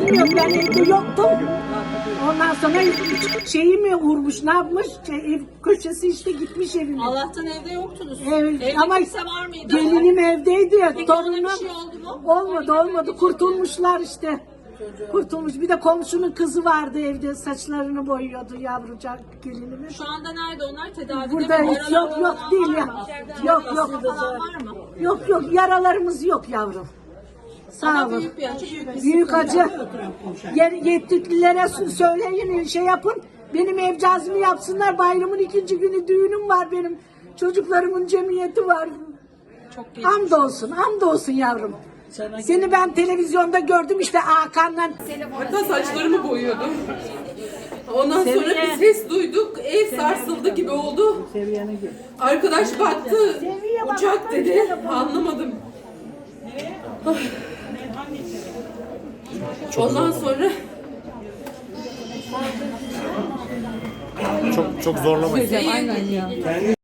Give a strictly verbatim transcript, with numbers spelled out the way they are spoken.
bilmiyorum, ben evde yoktum. Ondan sonra şeyi mi vurmuş, ne yapmış? Şey, ev köşesi işte gitmiş evine. Allah'tan evde yoktunuz. Evet, Evde ama kimse var mıydı? gelinim evdeydi ya, Peki ona torunum. bir şey oldu mu? Olmadı olmadı, kurtulmuşlar işte. Kurtulmuş. Bir de komşunun kızı vardı evde, saçlarını boyuyordu yavrucak gelinimiz. Şu anda nerede onlar? Tedavide Burada mi? hiç yok yok değil ya. Yok yok. Falan var mı? Yok yok, yaralarımız yok yavrum. Sağ Ama olun. büyük bir acı, büyük bir Büyük sıkıntı. acı. Yer, yetkililere söyleyin, şey yapın. Benim evcazımı yapsınlar. Bayramın ikinci günü düğünüm var benim. Çocuklarımın cemiyeti var. Çok geçmiş. Hamdolsun, hamdolsun yavrum. Seni ben televizyonda gördüm işte Hakan'la. Hatta saçlarımı boyuyordum. Ondan sonra bir ses duyduk. Ev sarsıldı gibi oldu. Arkadaş baktı. Uçak dedi. Anlamadım. Ondan sonra Çok çok zorlamayın.